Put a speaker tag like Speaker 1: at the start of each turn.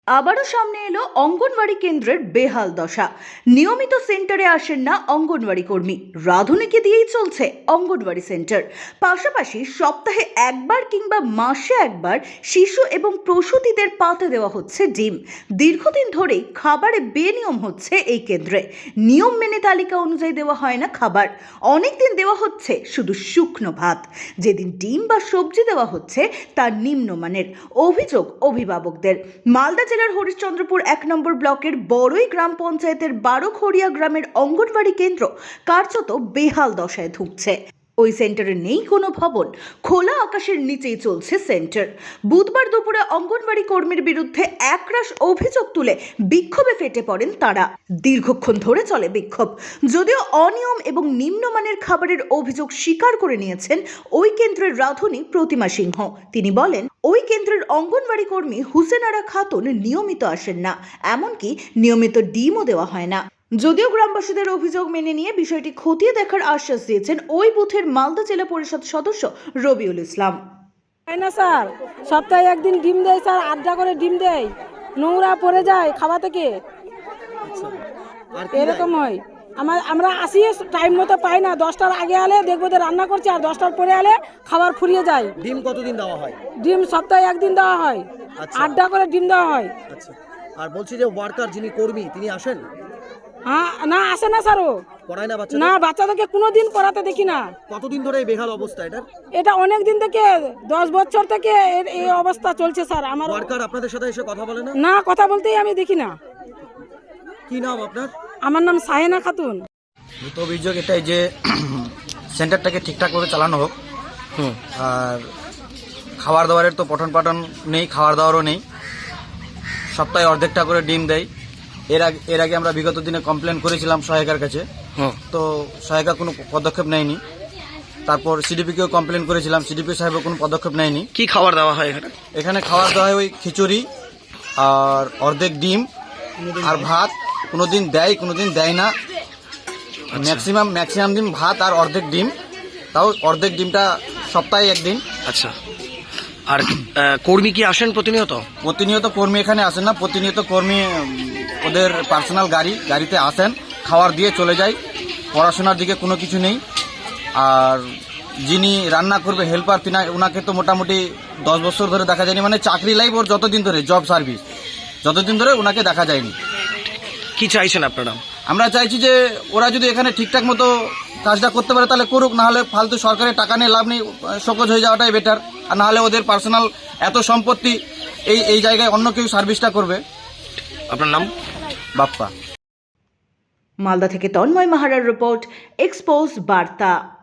Speaker 1: আবারও সামনে এলো অঙ্গনওয়াড়ি কেন্দ্রের বেহাল দশা। নিয়মিত সেন্টারে আসেন না অঙ্গনওয়াড়ি কর্মী, রাঁধুনিকে দিয়েই চলছে অঙ্গনওয়াড়ি সেন্টার। পাশাপাশি সপ্তাহে একবার কিংবা মাসে একবার শিশু এবং প্রসূতিদের পাতে দেওয়া হচ্ছে ডিম। দীর্ঘদিন ধরেই খাবারে বেনিয়ম হচ্ছে এই কেন্দ্রে। নিয়ম মেনে তালিকা অনুযায়ী দেওয়া হয় না খাবার, অনেকদিন দেওয়া হচ্ছে শুধু শুকনো ভাত। যেদিন ডিম বা সবজি দেওয়া হচ্ছে তা নিম্নমানের। অভিযোগ অভিভাবকদের। মালদা জেলার হরিশ্চন্দ্রপুর 1 নম্বর ব্লকের বড়ই গ্রাম পঞ্চায়েতের বারোখড়িয়া গ্রামের অঙ্গনওয়াড়ি কেন্দ্র কার্যত বেহাল দশায় ধুঁকছে। ওই সেন্টারে নেই কোনো ভবন, খোলা আকাশের নিচেই চলছে সেন্টার। বুধবার দুপুরে অঙ্গনওয়াড়ি কর্মীর বিরুদ্ধে একরাশ অভিযোগ তুলে বিক্ষোভে ফেটে পড়েন তারা। দীর্ঘক্ষণ ধরে চলে বিক্ষোভ। যদিও অনিয়ম এবং নিম্নমানের খাবারের অভিযোগ স্বীকার করে নিয়েছেন ওই কেন্দ্রের রাঁধুনি প্রতিমা সিংহ। তিনি বলেন, ওই কেন্দ্রের অঙ্গনওয়াড়ি কর্মী হুসেনারা খাতুন নিয়মিত আসেন না, এমনকি নিয়মিত ডিমও দেওয়া হয় না। যদিও গ্রামবাসীদের অভিযোগ মেনে নিয়ে বিষয়টি খতিয়ে দেখার আশ্বাস দিয়েছেন ওই বুথের মালদা জেলা পরিষদ সদস্য রবিউল ইসলাম।
Speaker 2: না স্যার, সপ্তাহে একদিন ডিম দেয় স্যার, 8টা করে ডিম দেয়, নোংরা পড়ে যায় খাওয়া থেকে, এরকম হয়। আমরা আসি টাইম মতো পাই না, 10টার আগে আলে দেখবো যে রান্না করছে, আর 10টার পরে আলে খাবার ফুরিয়ে যায়।
Speaker 3: ডিম কতদিন দেওয়া হয়?
Speaker 2: ডিম সপ্তাহে একদিন দেওয়া হয়, 8টা করে ডিম দেওয়া হয়।
Speaker 3: আচ্ছা, আর বলছি যে ওয়ার্কার যিনি কর্মী তিনি আসেন?
Speaker 2: হ্যাঁ, না আসে না স্যার, ও
Speaker 3: পড়ায় না বাচ্চা?
Speaker 2: না, বাচ্চাদেরকে কোনোদিন পড়াতে দেখি না।
Speaker 3: কতদিন ধরে এই বেহাল অবস্থা এটা?
Speaker 2: এটা অনেক দিন থেকে, 10 বছর থেকে এই অবস্থা চলছে স্যার। আমার
Speaker 3: ওয়ার্কার আপনাদের সাথে এসে কথা বলে না?
Speaker 2: না, কথা বলতেই আমি দেখি না।
Speaker 3: কি নাম আপনার?
Speaker 2: আমার নাম সাহেনা খাতুন।
Speaker 4: দ্রুত অভিযোগ এটাই যে সেন্টারটাকে ঠিকঠাকভাবে চালানো হোক। আর খাবার দাবারের তো পঠন পাঠন নেই, খাবার দাবারও নেই। সপ্তাহে অর্ধেকটা করে ডিম দেয়। এর আগে আমরা বিগত দিনে কমপ্লেন করেছিলাম সহায়িকার কাছে, তো সহায়িকা কোনো পদক্ষেপ নেয়নি। তারপর সিডিপিকেও কমপ্লেন করেছিলাম, সিডিপি সাহেবও কোনো পদক্ষেপ নেয়নি।
Speaker 5: কি খাবার দেওয়া হয় এখানে?
Speaker 4: এখানে খাবার দেওয়া হয় ওই খিচুড়ি আর অর্ধেক ডিম আর ভাত। কোনোদিন দেয়, কোনোদিন দেয় না। ম্যাক্সিমাম দিন ভাত আর অর্ধেক ডিম, তাও অর্ধেক ডিমটা সপ্তাহে একদিন।
Speaker 5: আচ্ছা, আর কর্মী কি আসেন প্রতিনিয়ত?
Speaker 4: প্রতিনিয়ত কর্মী এখানে আসেন না, প্রতিনিয়ত কর্মী ওদের পার্সোনাল গাড়িতে আসেন, খাবার দিয়ে চলে যায়। পড়াশোনার দিকে কোনো কিছু নেই। আর যিনি রান্না করবে হেল্পার, ওনাকে তো মোটামুটি 10 বছর ধরে দেখা যায়নি, মানে চাকরি লাইফ ওর যতদিন ধরে, জব সার্ভিস যতদিন ধরে ওনাকে দেখা যায়নি।
Speaker 5: কি চাইছেন আপনারা?
Speaker 4: আমরা চাইছি যে ওরা যদি এখানে ঠিকঠাক মতো কাজটা করতে পারে তাহলে করুক, না হলে ফালতু সরকারের টাকা নিয়ে লাভ নেই, শোকজ হয়ে যাওয়াটাই বেটার। আর না হলে ওদের পার্সোনাল এত সম্পত্তি, এই জায়গায় অন্য কেউ সার্ভিসটা করবে।
Speaker 5: আপনার নাম?
Speaker 4: বাপ্পা।
Speaker 1: মালদা থেকে তন্ময় মাহারার রিপোর্ট, এক্সপোজ বার্তা।